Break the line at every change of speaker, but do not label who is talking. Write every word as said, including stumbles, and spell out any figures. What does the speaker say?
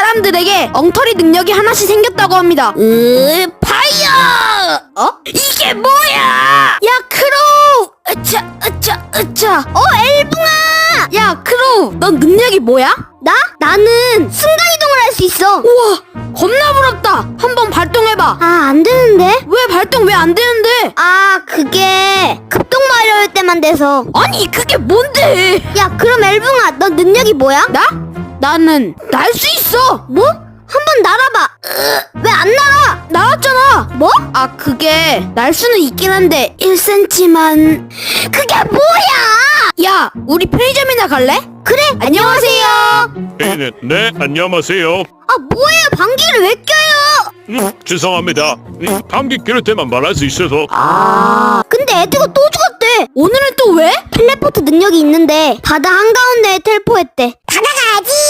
사람들에게 엉터리 능력이 하나씩 생겼다고 합니다. 으, 파이어! 어? 이게 뭐야? 야, 크로우! 으차, 으차, 으차. 어, 엘붕아! 야, 크로우, 넌 능력이 뭐야?
나? 나는 순간이동을 할 수 있어.
우와, 겁나 부럽다. 한번 발동해봐.
아, 안 되는데?
왜 발동 왜 안 되는데?
아, 그게 급동 마려울 때만 돼서.
아니, 그게 뭔데?
야, 그럼 엘붕아, 너 능력이 뭐야?
나? 나는 날 수 있어.
뭐? 한번 날아봐. 왜 안 날아?
나왔잖아.
뭐?
아, 그게 날 수는 있긴 한데 일 센티미터만.
그게 뭐야?
야, 우리 편의점이나 갈래?
그래,
안녕하세요.
네, 네, 네, 안녕하세요.
아, 뭐예요? 방귀를 왜 껴요?
음, 죄송합니다. 음, 감기 기를 때만 말할 수 있어서.
아,
근데 에드가 또 죽었대.
오늘은 또 왜?
텔레포트 능력이 있는데 바다 한가운데에 텔포했대. 바다 가야지.